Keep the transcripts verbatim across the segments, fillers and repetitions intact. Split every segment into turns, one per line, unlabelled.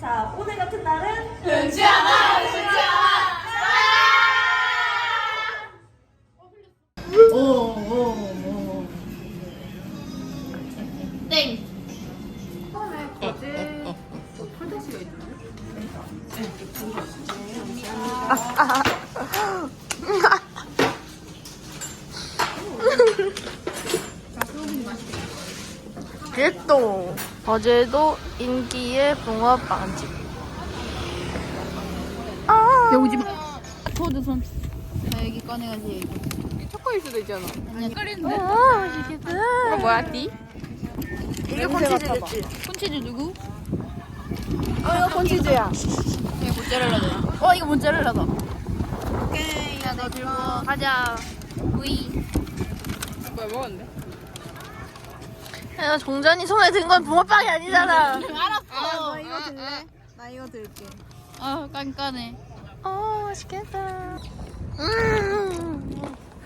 자, 오늘 같은 날은
흔치 않아, 흔치 않아.
오, 오, 오.
땡.
처음에 거제 폴더시가 있던데?
개똥. 어제도 인기의 붕어빵집. 아.
야 오지 마. 포드 손. 자 여기 꺼내가지고 여기.
초코일 수도 있잖아.
아니야 끓이는데.
아, 맛있겠다.
이거 뭐야, 띠?
이게 콘치즈겠지?
콘치즈 누구?
어, 이거 콘치즈야.
이거 모짜렐라다. 어 이거 모짜렐라다. 오케이 야너 들고 가자. 우이.
뭐야, 먹었는데?
야, 종전이 손에 든 건 붕어빵이 아니잖아.
알았어.
나 이거 들래? 나 이거 들게.
아 깐깐해.
어, 맛있겠다. 음.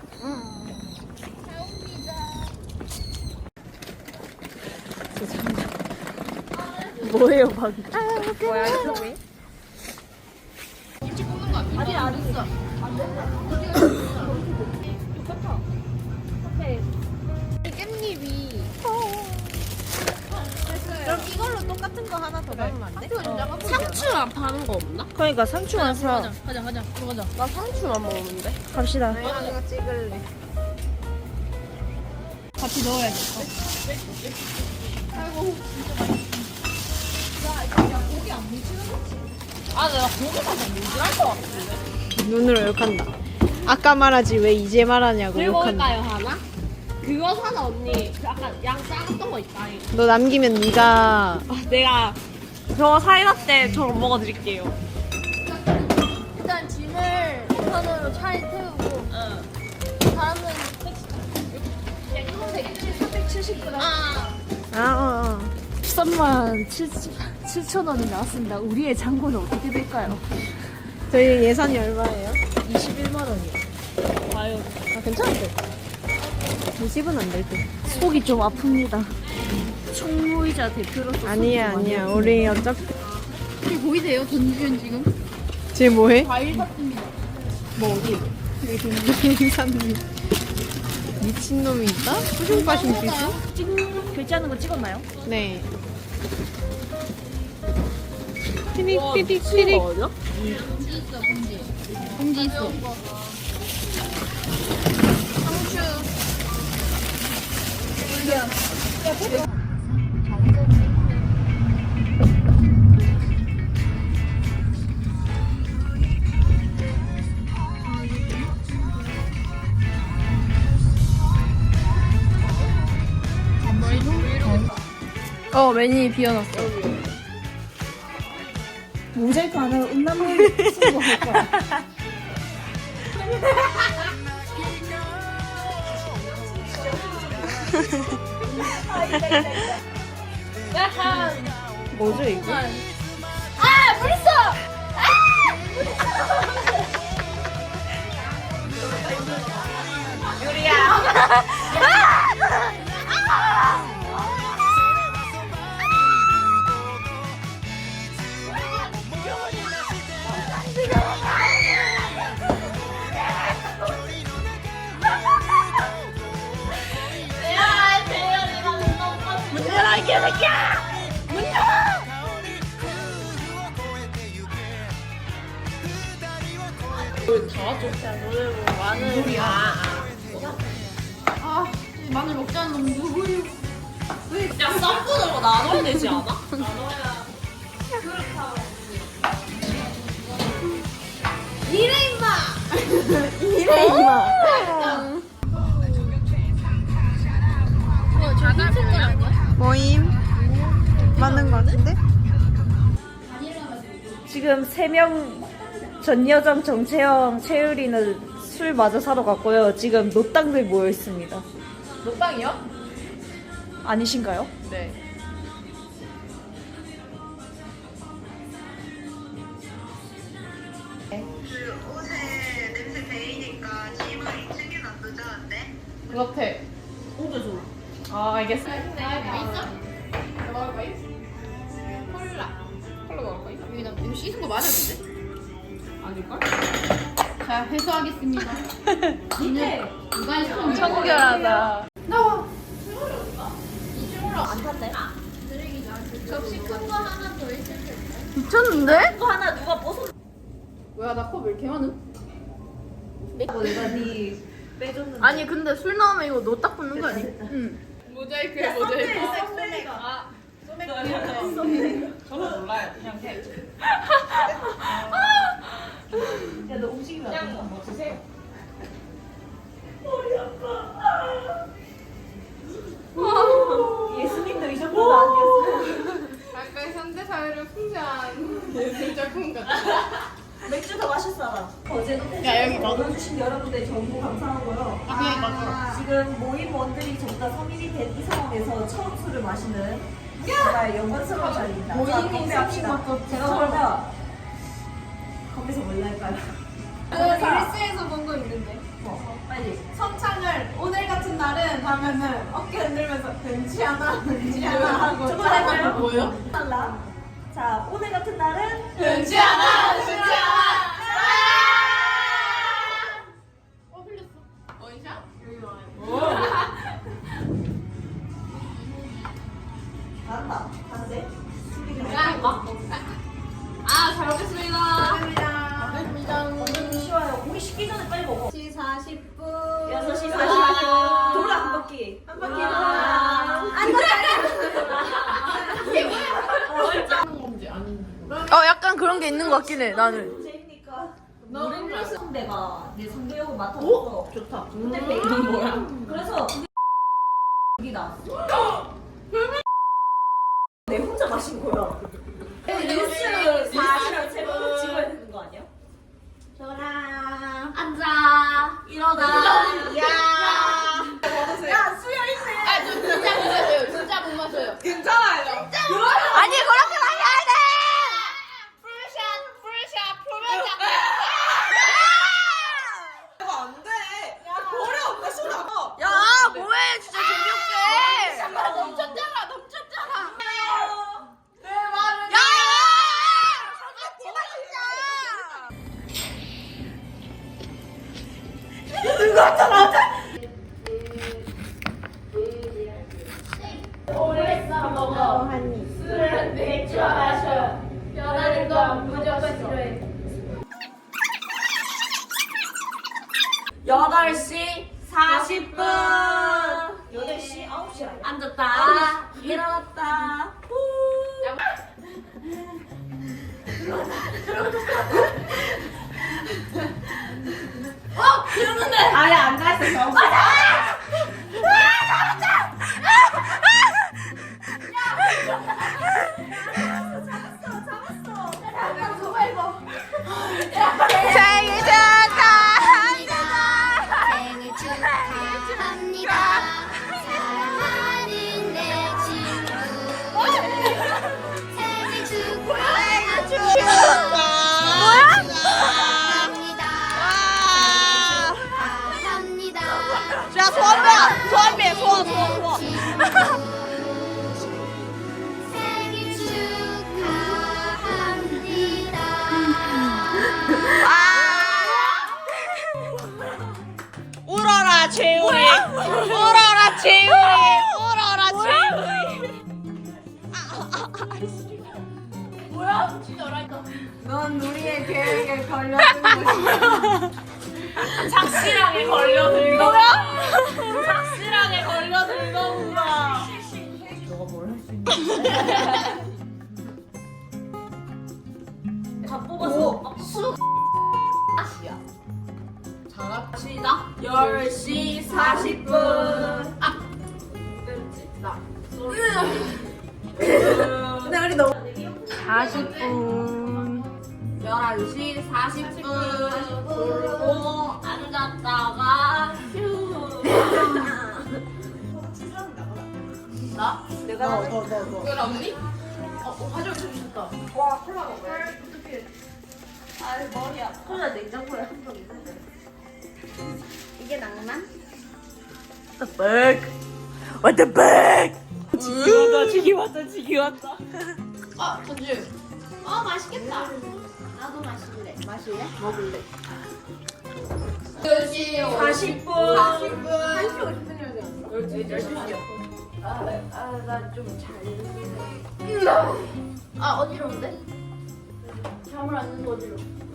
뭐예요, 방금?
뭐야, 이거 왜?
김치 굽는 거 아니야? 아직 안 했어.
깻잎이. 그럼 이걸로 똑같은 거 하나 더 담으면 안 돼?
상추 안 파는 거 없나?
그러니까 상추만 사.
가자 가자 가자 들어가자.
나 상추만 먹는데.
갑시다. 이거 찍을래.
같이 넣어야겠다.
아, 내가 고기 사서 모질할 것 같아.
눈으로 욕한다. 아까 말하지 왜 이제 말하냐고
그리고
욕한다.
올까요, 하나? 그거 사자, 언니. 그 아까 양 작았던 거 있다. 이거.
너 남기면 네가
아, 내가 저 사이다때 저거 먹어드릴게요.
일단 짐을 우선으로 차에 태우고 사람은 삼백칠십 그램
아,
아, 어, 어.
십삼만 칠천 원이 나왔습니다. 우리의 잔고는 어떻게 될까요?
저희 예산이 얼마예요?
이십일만 원이요.
과연.
아, 괜찮은데. 이십은 안 될 듯.
속이 좀 아픕니다. 총무이자 대표로서
아니야, 아니야. 우리 어차피
이게 보이세요? 전주현 지금?
지금 뭐해?
과일 샀습니다.
뭐 어디? 여기 미친놈이 있다? 수중 빠신 수 있어?
찍 결제하는 거 찍었나요?
네. 피릭
와,
피릭
미친
피릭.
거 아니야?
봉지 있어 봉지. 봉지 있어.
어, 매니 비워놨어.
모자이크 안 하고 음란물 쓰고 할 거야.
뭐죠 이거?
아! 물 있어! 아, 마늘 먹자는 놈 누구유?
야, 썸분으로 나눠야 되지 않아?
이래 임마!
이래 임마.
어, 저 흰색 거 아니야?
모임 맞는 거 같은데?
지금 세 명 전여정, 정채영, 채율이는 술 마저 사러 갔고요. 지금 노땅들 모여 있습니다.
녹방이요?
아니신가요?
네.
그 옷에 냄새 배이니까 짐을 이 층에 놔두자 어때?
그렇대.
오도 줘. 아, 알겠어.
뭐 있어? 뭐 먹을 거야? 콜라. 콜라 먹을 거야?
씻은 거 맞아 근데?
아닐걸?
자 회수하겠습니다. 니네 누가 했어?
청결하다. 미쳤는데?
이거 하나 누가 벗어?
뭐야 나 컵 왜 이렇게 많은?
내가 네 빼줬는데.
아니 근데 술 나오면 이거 노 딱 붙는 거 아니? 응.
모자이크야 모자이크.
썸네일가.
저는 몰라요. 그냥 해.
야너 움직이면 안 돼.
그냥 뭐 드세요.
예수님도 이 정도는 아니었어.
약간 현대 사회를 풍자한 예술 작품 같아.
맥주 더 마실 사람. 어제도
야, 여기 봐.
넣어주신 여러분들 정보 감사하고요.
아 그냥 맞아.
지금 모임원들이 전부 다 성인이 된 이 상황에서 처음 술을 마시는 정말 영광스러운 자리입니다. 자, 건배합시다. 제가 그러면 거기서 뭘 할까요?
릴스에서 본 거 있는데.
어, 빨리.
선창을 오늘 같은 날은 하면은 어깨 흔들면서 벤치 하나 벤치 하나 하고
저거 할까요?
뭐예요?
달라. 자, 오늘 같은 날은
벤치 하나 벤치 하나 어 흘렸어 원샷? 여기 와요.
잘한다. 한대.
아, 잘 먹겠습니다. 감사합니다.
완전 쉬워요. 오기 식기 전에 빨리 먹어.
여섯 시 사십 분.
여섯 시 사십 분. 돌아 한 바퀴. 한 바퀴 돌아. 안
어 약간 그런 게 있는 것 같긴 해 나는.
재입니까? 노래 상대가 내 상대역을 맡아서 좋다. 근데 베이는 뭐야? 그래서 여기 나왔어. 내 혼자 마신 거야. 뉴스 사실을 제가 찍어야 되는 거 아니야?
앉아. 일어나.
야. 야 수여 있네.
아, 저 진짜 못 마셔요. 진짜 못 마셔요.
괜찮아요.
아니 그렇게 마셔야 돼.
풀샷, 풀샷, 풀샷.
이거 안 돼. 버려. 엄마 쏟아.
야 뭐해 진짜 재미없게.
넘쳤잖아, 넘쳤잖아.
내 말은.
야! 제발
변하는 건 무조건 싫어해.
여덟 시 사십 분. 여덟 시 아홉 시 아니야?
앉았다.
일어났다. 아예 앉아있었어.
생일 축하합니다.
생일 축하합니다. 사랑하는 내 친구. 생일 축하합니다.
뭐야?
축하합니다.
와.
축하합니다.
자 소원배 소원배 소원 소원 소원.
생일 축하합니다.
울어라 재우리. 울어라 재우리. 울어라 재우리.
넌 우리의 계획에 걸려든 것이야.
착실하게 걸려들고. 뭐야? 착실하게 걸려들고구나. 너가 뭘 할 수 있냐? 다 뽑았어. 수.
잘합시다. 열 시 사십 분. 아. 나. 근데 우리 너무.
사십 분.
열한 시 사십 분. 그리고 앉았다가 휴. 나?
내가 너, 너, 너, 너.
그걸 언니? 어, 어 가져올 수 있다.
와, 콜라 먹어요. 아, 머리야. 콜라 냉장고에 한 병 있는데.
이게 낭만?
What the fuck? What the fuck? 지기 왔다 지기 왔다 지기 왔다.
아, 전주. 아, 맛있.
맛있겠다.
나도 마실래.
마실래? 먹을래?
사십 분.
한 시 오십 분이라고 되었어? 아 어지러운데? 잠을 안 자서 어지러워.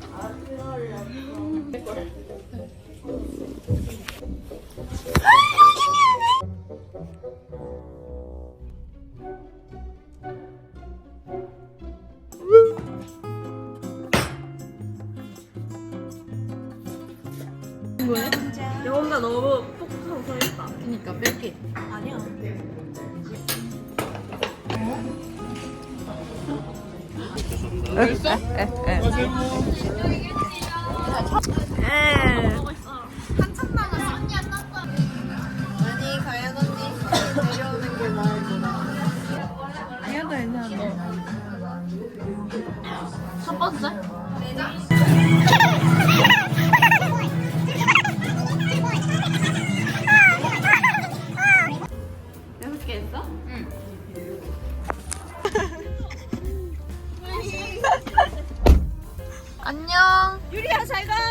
영혼가 너무 톡톡하고 서있다.
그니까 뺄게.
아니야.
아니 가연 언니 내려오는 게 나을 거다. 얘도 괜찮은데.
첫 번째? 여섯 개 했어? 응.
안녕. 유리야 잘 가.